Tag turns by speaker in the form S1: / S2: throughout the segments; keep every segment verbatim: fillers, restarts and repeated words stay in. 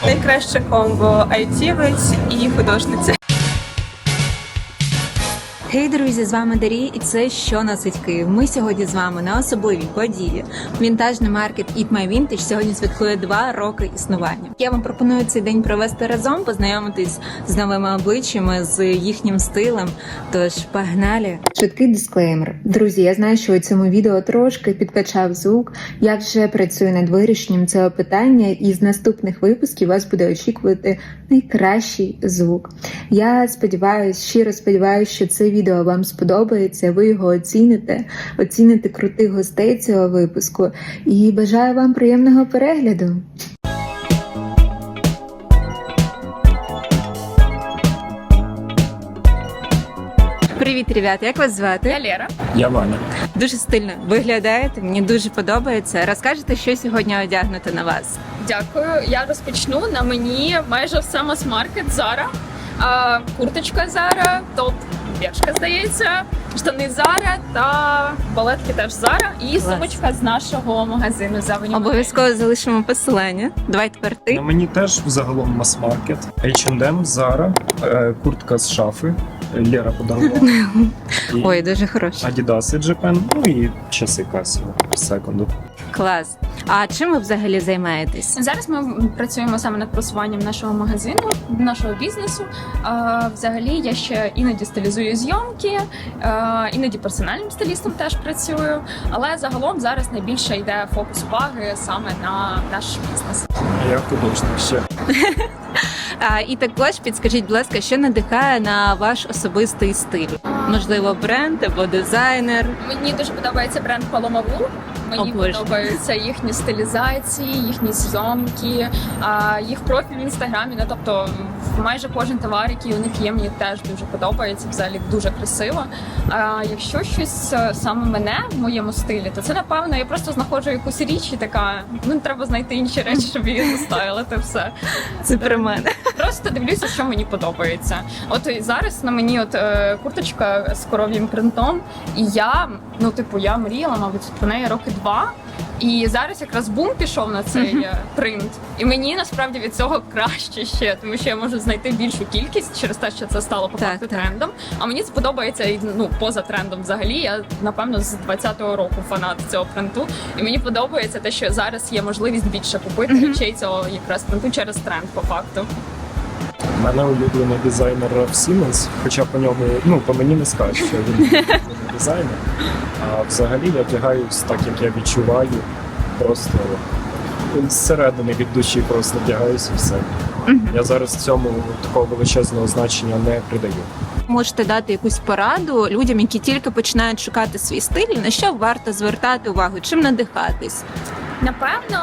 S1: Найкраще комбо айтівець і художниця.
S2: Хей, друзі, з вами Дарі, і це «Що носить Київ?». Ми сьогодні з вами на особливій події. Вінтажний маркет Eat My Vintage сьогодні святкує два роки існування. Я вам пропоную цей день провести разом, познайомитись з новими обличчями, з їхнім стилем. Тож, погнали! Швидкий дисклеймер. Друзі, я знаю, що у цьому відео трошки підкачав звук. Я вже працюю над вирішенням цього питання, і з наступних випусків вас буде очікувати найкращий звук. Я сподіваюся, щиро сподіваюся, що це відео вам сподобається, ви його оціните, оціните крутих гостей цього випуску, і бажаю вам приємного перегляду. Привіт, ребята, як вас звати?
S1: Я Лера.
S3: Я Ваня.
S2: Дуже стильно виглядаєте, мені дуже подобається. Розкажете, що сьогодні одягнути на вас?
S1: Дякую. Я розпочну. На мені майже все мас-маркет Zara. А, курточка Zara, топ Бершка, здається, штани Zara та балетки теж Zara. І сумочка з нашого магазину Завені.
S2: Обов'язково залишимо посилання. Давай тепер ти.
S3: На мені теж загалом мас-маркет. ейч енд ем, Zara, е, куртка з шафи. Лера подарувала. І
S2: Ой, дуже хороша.
S3: Adidas Japan, ну і часи Casio секунду.
S2: Клас. А чим ви взагалі займаєтесь?
S1: Зараз ми працюємо саме над просуванням нашого магазину, нашого бізнесу. А, взагалі я ще іноді стилізую зйомки, а, іноді персональним стилістом теж працюю. Але загалом зараз найбільше йде фокус уваги саме на наш бізнес.
S3: Я художник ще.
S2: А, і також підскажіть, будь ласка, що надихає на ваш особистий стиль? Можливо, бренд або дизайнер?
S1: Мені дуже подобається бренд Paloma Wool. Мені
S2: О, Боже.
S1: подобаються їхні стилізації, їхні зйомки, а, їх профіль в інстаграмі. Ну, тобто майже кожен товар, який у них є, мені теж дуже подобається. Взагалі дуже красиво. А якщо щось саме мене в моєму стилі, то це напевно я просто знаходжу якусь річ і така. Ну треба знайти інші речі, щоб її застайлити. Все
S2: Це про мене.
S1: просто дивлюся, що мені подобається. От і зараз на мені от е, курточка з коров'ям принтом, і я, ну типу, я мріяла, мабуть, про неї роки два. І зараз якраз бум пішов на цей uh-huh. принт. І мені насправді від цього краще ще, тому що я можу знайти більшу кількість через те, що це стало по факту
S2: так,
S1: трендом. А мені сподобається і ну поза трендом взагалі. Я напевно з двадцятого року фанат цього принту. І мені подобається те, що зараз є можливість більше купити uh-huh. речей цього якраз принту через тренд по факту.
S3: У мене улюблений дизайнер Ральф Сіммонс, хоча по ньому, ну, по мені не скажеш, що він улюблений дизайнер. А взагалі я вдягаюсь так, як я відчуваю, просто зсередини від душі просто вдягаюсь і все. Mm-hmm. Я зараз цьому такого величезного значення не придаю.
S2: Можете дати якусь пораду людям, які тільки починають шукати свій стиль, на що варто звертати увагу, чим надихатись?
S1: Напевно,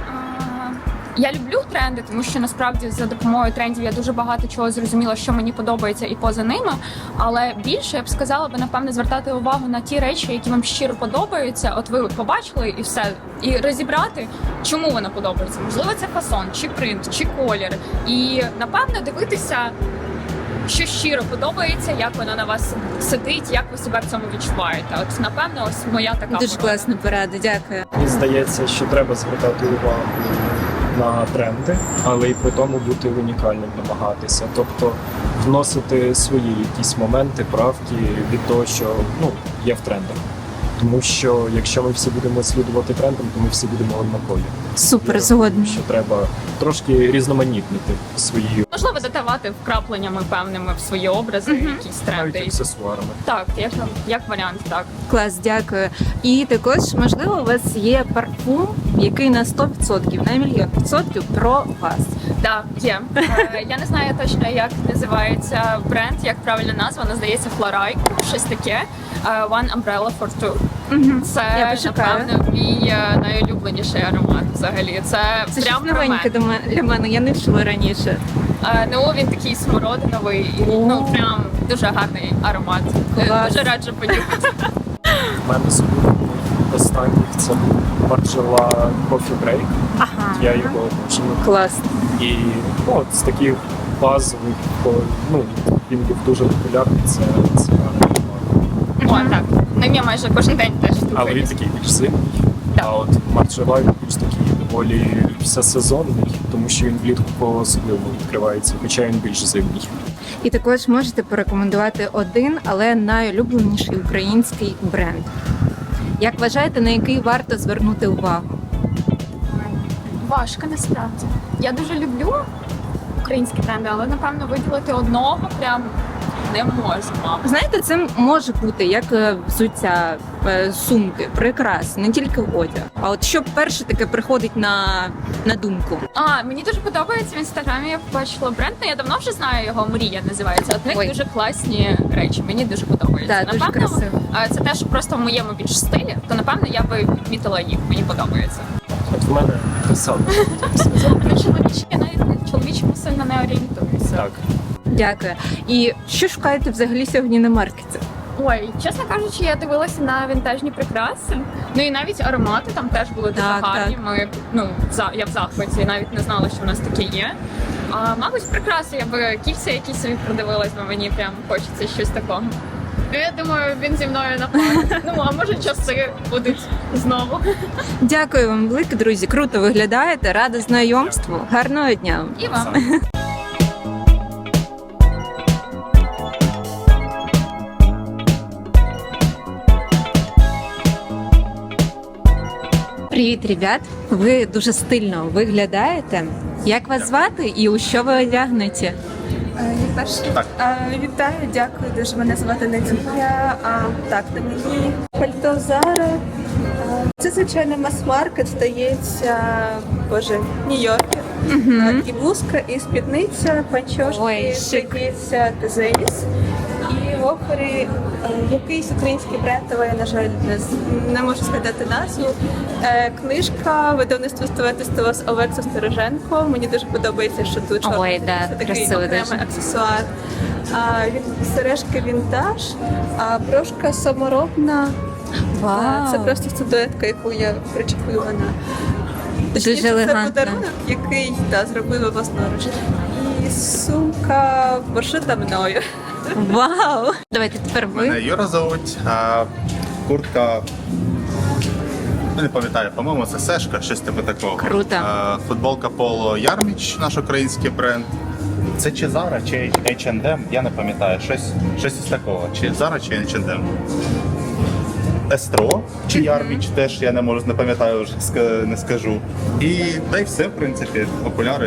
S1: я люблю тренди, тому що насправді за допомогою трендів я дуже багато чого зрозуміла, що мені подобається і поза ними. Але більше я б сказала би, напевно, звертати увагу на ті речі, які вам щиро подобаються. От ви побачили і все, і розібрати, чому вона подобається. Можливо, це фасон, чи принт, чи колір. І напевно дивитися, що щиро подобається, як вона на вас сидить, як ви себе в цьому відчуваєте. От напевно, ось моя така
S2: Дуже класна порада, дякую.
S3: Мені здається, що треба звертати увагу на тренди, але і при тому бути унікальним, намагатися. Тобто вносити свої якісь моменти, правки від того, що ну, є в трендах. Тому що якщо ми всі будемо слідувати трендам, то ми всі будемо однакові.
S2: Супер,
S3: Я
S2: згодна.
S3: думаю, що треба трошки різноманітнити свої,
S1: можливо, додавати вкрапленнями певними в свої образи,
S2: Мгм.
S1: якісь тренди.
S3: навіть аксесуарами.
S1: Так, як, як варіант, так.
S2: Клас, дякую. І також, можливо, у вас є парфум, який на сто відсотків, на мільйон відсотків про вас.
S1: Так, є. Е, Я не знаю точно, як називається бренд, як правильна назва, вона здається Флорайк, щось таке. Е, One Umbrella for Two.
S2: Угу.
S1: Це,
S2: Я пошукаю.
S1: напевно, мій е, найулюбленіший аромат взагалі. Це,
S2: Це
S1: прям
S2: щось
S1: про
S2: новеньке
S1: мене.
S2: до мене- для мене, я не чула раніше.
S1: Е, Ну, він такий смородиновий, і, ну, прям дуже гарний аромат. Е,
S2: Клас.
S1: Дуже раджу понюхати.
S3: У мене з улюблених останніх це був Margiela Coffee Break.
S2: Ага.
S3: Я його обожнюю.
S2: Клас.
S3: І ну, от з таких базових, о, ну, він був дуже популярний, це, це гарний аромат.
S1: О, так. Ним я майже кожен день теж
S3: Але він
S1: штукаюсь.
S3: такий більш сильний,
S1: Так.
S3: а от Margiela він більш такий доволі всесезонний, тому що він влітку по-особливому відкривається, хоча він більш зимній.
S2: І також можете порекомендувати один, але найулюбленіший український бренд. Як вважаєте, на який варто звернути увагу?
S1: Важко насправді. Я дуже люблю українські бренди, але напевно виділити одного прям не можу, мабуть.
S2: Знаєте, це може бути як е, взуття, е, сумки, прикраси, не тільки одяг. А от що перше таке приходить на, на думку?
S1: А, мені дуже подобається в інстаграмі. Я побачила бренд. Ну, я давно вже знаю його. Мрія називається. От в них
S2: Ой.
S1: дуже класні речі. Мені дуже подобається.
S2: Так, дуже красиво.
S1: а, це те, що просто в моєму більш стилі, то напевно я би відмітила їх. Мені подобається.
S3: От в мене те саме.
S1: На чоловічі я навіть на чоловічому сильно не орієнтуюся.
S3: Так.
S2: Дякую. І що шукаєте взагалі сьогодні на маркеті?
S1: Ой, чесно кажучи, я дивилася на вінтажні прикраси. Ну і навіть аромати там теж були дуже
S2: Так,
S1: гарні.
S2: так.
S1: Ми ну за я в захваті, навіть не знала, що в нас таке є. А мабуть, прикраси я би кільця якісь собі продивилась, бо мені прям хочеться щось такого. Ну, я думаю, він зі мною на пару. Ну а може часи будуть знову.
S2: Дякую вам велике, друзі. Круто виглядаєте. Рада знайомству. Гарного дня.
S1: І вам.
S2: Привіт, ребят! Ви дуже стильно виглядаєте. Як вас звати і у що ви одягнете?
S4: Перше, вітаю, дякую дуже. Мене звати Надія. А, так, на мені пальто Зара. А, Це звичайно мас-маркет, здається, боже, Нью-Йоркер. А, І блузка, і спідниця, панчошки,
S2: Ой, шик.
S4: здається, Тезеїс. І в опері а, якийсь український бренд, але я, на жаль, не, з- не можу згадати назву. Е, Книжка видавництва «Стове з Олекса Стороженко. Мені дуже подобається, що тут чорний
S2: Ой, да,
S4: це такий
S2: красиво
S4: окремий
S2: дуже.
S4: аксесуар. А, він, сережки вінтаж, а брошка саморобна. А, Це просто статуетка, яку я причепила на
S2: Дуже
S4: це
S2: елегантно.
S4: подарунок, який та, зробила власноруч. І сумка пошита мною.
S2: Вау! Давайте тепер
S5: Мене
S2: ви.
S5: Юра зовуть, а куртка. ну, Не пам'ятаю, по-моєму, це Сешка, щось типу такого.
S2: Круто.
S5: А, футболка Поло Ярміч, наш український бренд. Це чи Zara, чи ейч енд ем, я не пам'ятаю. Щось, щось із такого. Чи Zara, чи ейч енд ем. Естро чи Ярміч теж я не можу, не пам'ятаю, вже ска- не скажу. І та й все, в принципі, окуляри.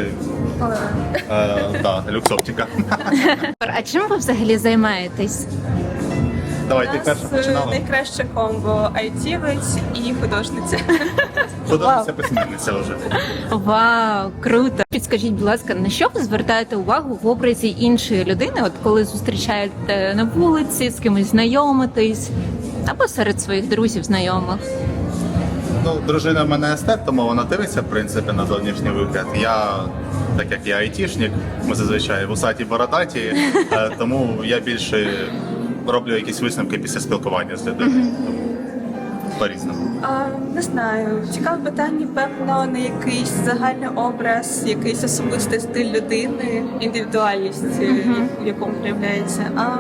S5: Е, да, люксоптика.
S2: А чим ви взагалі займаєтесь?
S5: Давай,
S4: У
S5: ти
S4: нас
S5: перша
S4: е,
S5: починала.
S4: найкраще комбо айтівець і художниця.
S5: Художниця письменниця вже.
S2: Вау, круто! Підскажіть, будь ласка, на що ви звертаєте увагу в образі іншої людини, от коли зустрічаєте на вулиці, з кимось знайомитесь, або серед своїх друзів, знайомих?
S5: Ну, дружина в мене естет, тому вона дивиться, в принципі, на зовнішній вигляд. Я, так як я айтішник, ми зазвичай вусаті бородаті, е, тому я більше роблю якісь висновки після спілкування з людиною. Тому По-різному.
S4: А, не знаю. Цікаве питання, певно, на якийсь загальний образ, якийсь особистий стиль людини, індивідуальність, е, в якому проявляється. А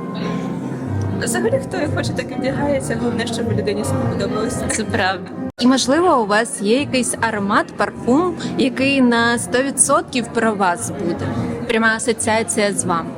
S4: взагалі, хто як хоче, так і вдягається. Головне, щоб людині себе подобалося.
S2: Це правда. І можливо, у вас є якийсь аромат, парфум, який на сто відсотків про вас буде. Пряма асоціація з вами.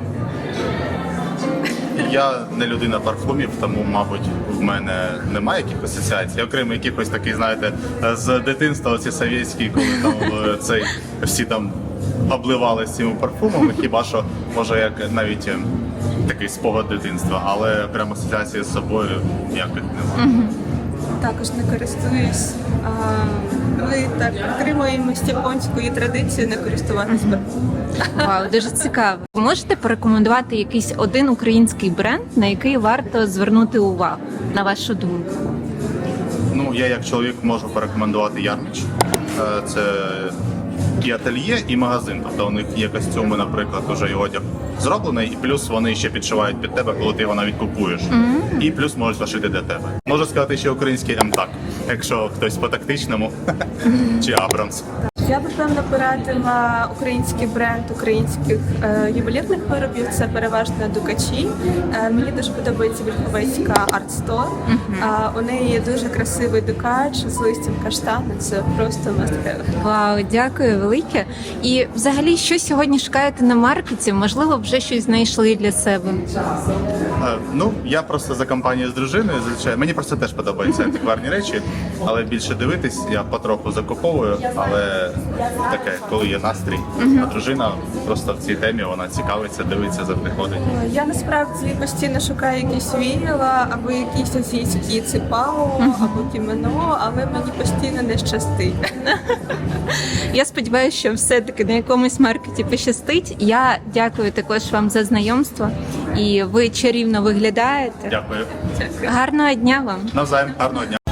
S5: Я не людина парфумів, тому, мабуть, в мене немає якихось асоціацій. Окрім якихось таких, знаєте, з дитинства, оці совєтські, коли там е, цей всі там обливалися цими парфумами, хіба що може як навіть е, такий спогад дитинства, але окремо асоціації з собою ніяких немає.
S4: Також не користуюсь. А, ми так підтримуємось японської традиції не користуватись парфумом.
S2: Вау, дуже цікаво. Ви можете порекомендувати якийсь один український бренд, на який варто звернути увагу, на вашу думку?
S5: Ну, я як чоловік можу порекомендувати Ярміч. Е, Це і ательє, і магазин. Тобто у них є костюми, наприклад, уже і одяг зроблений, і плюс вони ще підшивають під тебе, коли ти його навіть купуєш. І плюс можуть зашити для тебе. Можу сказати, що український ем-так, якщо хтось по тактичному, чи Абрамс.
S4: Я б напевно порадила український бренд українських е, ювелірних виробів. Це переважно дукачі. Е, мені дуже подобається Вільховецька арт-стор. Е, у неї є дуже красивий дукач з листям каштану. Це просто must have.
S2: Вау, дякую велике. І взагалі, що сьогодні шукаєте на маркеті? Можливо, вже щось знайшли для себе.
S5: Е, Ну, я просто за компанією з дружиною, звичайно. Мені просто теж подобаються антикварні речі, але більше дивитись я потроху закуповую, але таке, коли є настрій. А дружина просто в цій темі, вона цікавиться, дивиться, завжди ходить.
S4: Е, Я насправді постійно шукаю якісь віяла або якісь азійські ципао, або кімено, але мені постійно не щастить.
S2: Я сподіваюся, що все-таки на якомусь маркеті пощастить. Я дякую також вам за знайомство. І ви чарівно виглядаєте.
S5: Дякую.
S2: Гарного дня вам!
S5: Навзаєм, гарного дня.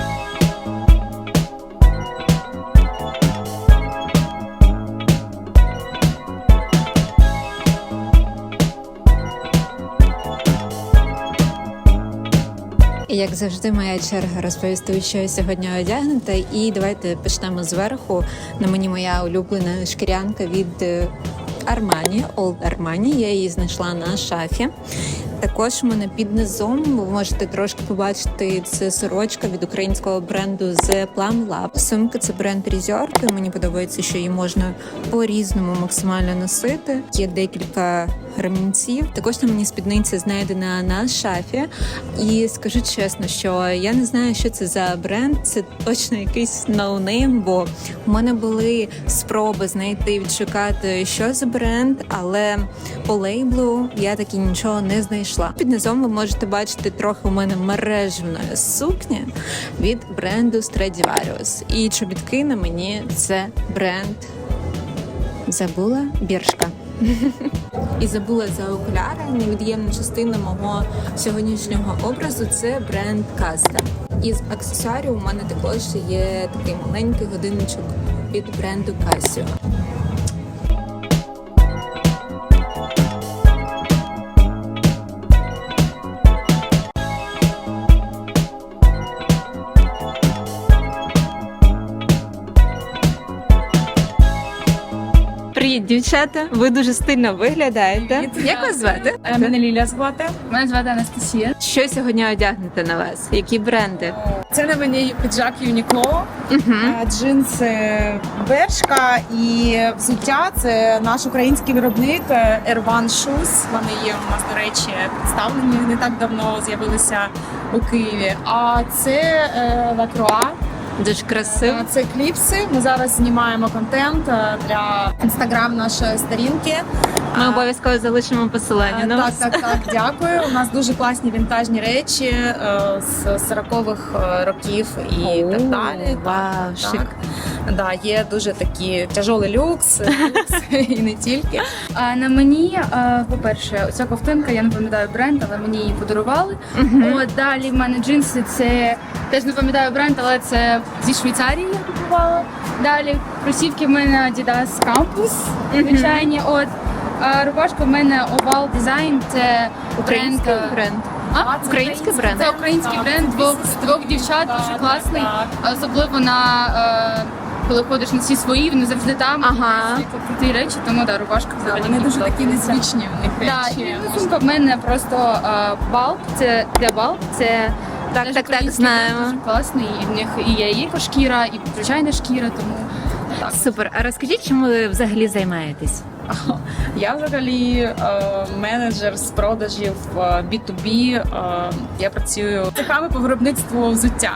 S2: І як завжди, моя черга розповісти, що я сьогодні одягнута. І давайте почнемо зверху. На мені моя улюблена шкірянка від Armani, Old Armani. Я її знайшла на шафі. Також у мене під низом ви можете трошки побачити, це сорочка від українського бренду The Plum Lab. Сумка — це бренд Resort. Мені подобається, що її можна по-різному максимально носити. Є декілька ремінців. Також на мені спідниця знайдена на шафі. І скажу чесно, що я не знаю, що це за бренд. Це точно якийсь ноунейм, бо у мене були спроби знайти, відшукати, що за бренд, але по лейблу я таки нічого не знайшла. Під низом ви можете бачити трохи у мене мережевної сукні від бренду Stradivarius. І чобітки на мені — це бренд, забула, Бершка. І забула за окуляри. Невід'ємна частина мого сьогоднішнього образу — це бренд Каста. Із аксесуарів у мене також є такий маленький годинничок від бренду Casio. Привіт, дівчата! Ви дуже стильно виглядаєте. Як вас звати?
S6: Мене Лілія звати.
S1: Мене звати Анастасія.
S2: Що сьогодні одягнете на вас? Які бренди?
S6: Це на мені піджак Юнікло, е, джинси Бершка і взуття. Це наш український виробник е, Air One Shoes. Вони є у нас, до речі, представлені не так давно, з'явилися у Києві. А це е, Lacroix.
S2: Дуже красиво.
S6: Е, Це кліпси. Ми зараз знімаємо контент е, для інстаграм нашої сторінки.
S2: Ми
S6: А,
S2: обов'язково залишимо посилання на
S6: Так,
S2: вас.
S6: так, так, дякую. У нас дуже класні вінтажні речі е, з сорокових е, років і
S2: О,
S6: так далі.
S2: вау,
S6: так,
S2: шик.
S6: так. Да, є дуже такі тяжолий люкс, люкс і не тільки.
S7: А на мені, а, по-перше, оця ковтинка, я не пам'ятаю бренд, але мені її подарували. От далі в мене джинси, це теж не пам'ятаю бренд, але це зі Швейцарії я купувала. Далі кросівки в мене Adidas Campus, звичайні. От а рубашка в мене Oval Design, це
S2: Український
S7: бренд.
S2: бренд.
S7: А?
S2: Український бренд.
S7: Це український бренд двох, двох дівчат, дуже класний. Особливо на е, коли ходиш на всі свої, вони завжди там.
S2: Ага.
S7: Всі круті речі, тому да, рубашка взагалі.
S6: Вони дуже
S7: мені
S6: такі
S7: подобається.
S6: незвичні в них
S7: Да,
S6: речі.
S7: і сумка в мене просто балк, це де балк, це
S2: Так,
S7: теж
S2: так, так,
S7: український бренд,
S2: знаємо.
S7: дуже класний, і в них і є і екошкіра, і звичайна шкіра, тому так.
S2: Супер. А розкажіть, чим ви взагалі займаєтесь?
S6: Я взагалі е, менеджер з продажів е, бі ту бі. Е, я працюю цехами по виробництву взуття.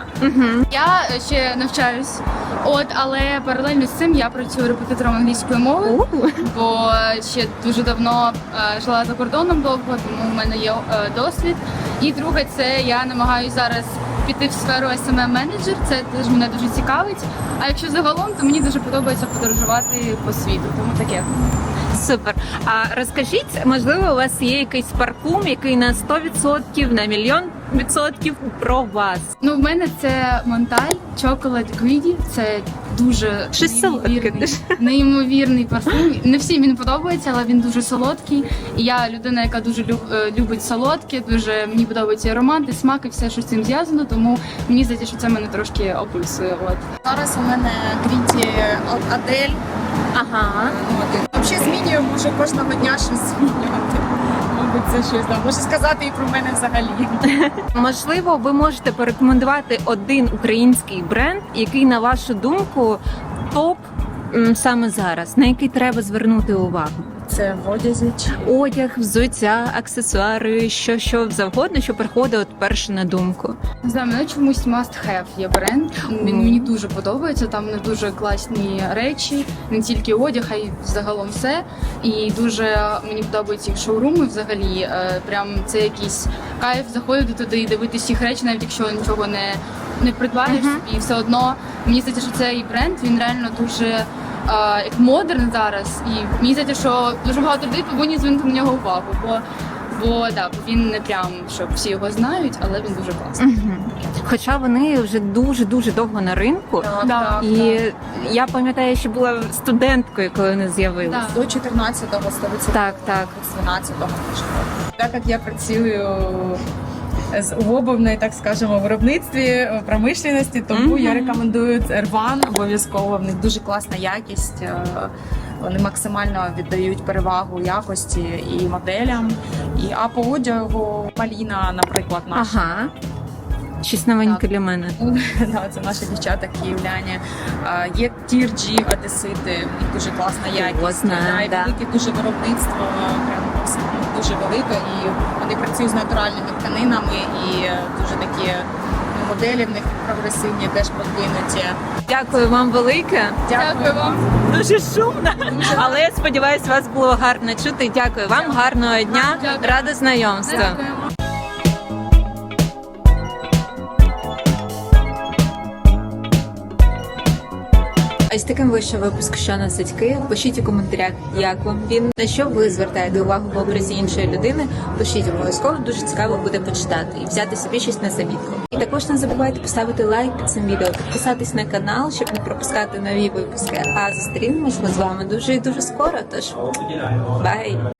S7: Я ще навчаюсь, от, але паралельно з цим я працюю репетитором англійської мови, бо ще дуже давно е, жила за кордоном довго, тому в мене є е, досвід. І друге, це я намагаюся зараз піти в сферу ес ем ем-менеджер, це теж мене дуже цікавить. А якщо загалом, то мені дуже подобається подорожувати по світу, тому таке.
S2: Супер. А розкажіть, можливо, у вас є якийсь парфум, який на сто відсотків, на мільйон відсотків про вас.
S7: Ну, в мене це Монталь Chocolate Greedy. Це дуже
S2: Щось солодке
S7: неймовірний,
S2: дуже.
S7: неймовірний парфум. Не всім він подобається, але він дуже солодкий. І я людина, яка дуже люб- е, любить солодке, дуже мені подобається і аромат, і смак, і все, що з цим зв'язано. Тому мені здається, що це мене трошки описує. От.
S6: Зараз у мене Гріті Адель.
S2: Ага.
S6: От. Взагалі змінюю, можу кожного дня щось змінювати. Мабуть, це щось да. Можу сказати і про мене взагалі.
S2: Можливо, ви можете порекомендувати один український бренд, який, на вашу думку, топ м, саме зараз, на який треба звернути увагу.
S6: Це в одязі.
S2: Одяг, взуття, аксесуари, що що завгодно, що приходить от перше на думку.
S7: Не знаю, мене чомусь must have є бренд. Він мені дуже подобається. Там не дуже класні речі, не тільки одяг, а й загалом все. І дуже мені подобаються їх шоуруми взагалі. Е, Прям це якийсь кайф заходити туди і дивитися їх речі, навіть якщо нічого не, не придбаєш собі. І все одно мені здається, що цей бренд він реально дуже. Uh, як модерн зараз, і мені здається, що дуже багато людей повинні звернути на нього увагу, бо, бо, да, бо він не прям, що всі його знають, але він дуже класний.
S2: Угу. Хоча вони вже дуже-дуже довго на ринку.
S7: Да,
S2: І я пам'ятаю, що була студенткою, коли вони з'явилися.
S7: Да.
S6: До чотирнадцятого, сто відсотків.
S2: Так, так.
S6: З дванадцятого. Так як я працюю з у обувної, так скажемо, виробництві, промишленості, тому
S2: Мгм.
S6: я рекомендую Ерван обов'язково. В них дуже класна якість. е, Вони максимально віддають перевагу якості і моделям. І а по одягу Маліна, наприклад, наша.
S2: Ага. Щось новеньке
S6: Так.
S2: для мене.
S6: Да, це наші дівчата київляні. А, Є Тірджі Одесити, в них дуже класна якість.
S2: О, знаю,
S6: Да, і
S2: да.
S6: велике дуже виробництво, прям дуже велике, і вони працюють з натуральними тканинами, і е, дуже такі ну, моделі в них прогресивні, теж продвинуті.
S2: Дякую вам велике.
S7: Дякую вам.
S2: Дуже шумно, але я сподіваюся, вас було гарно чути. Дякую вам, гарного дня,
S7: Дякую.
S2: рада знайомству.
S7: Дякуємо.
S2: Ось таким вийшов випуск «Що носить Київ». Пишіть у коментарях, як вам він, на що ви звертаєте увагу в образі іншої людини. Пишіть обов'язково, дуже цікаво буде почитати і взяти собі щось на замітку. І також не забувайте поставити лайк під цим відео, підписатись на канал, щоб не пропускати нові випуски. А зустрінемось ми з вами дуже і дуже скоро. Тож бай!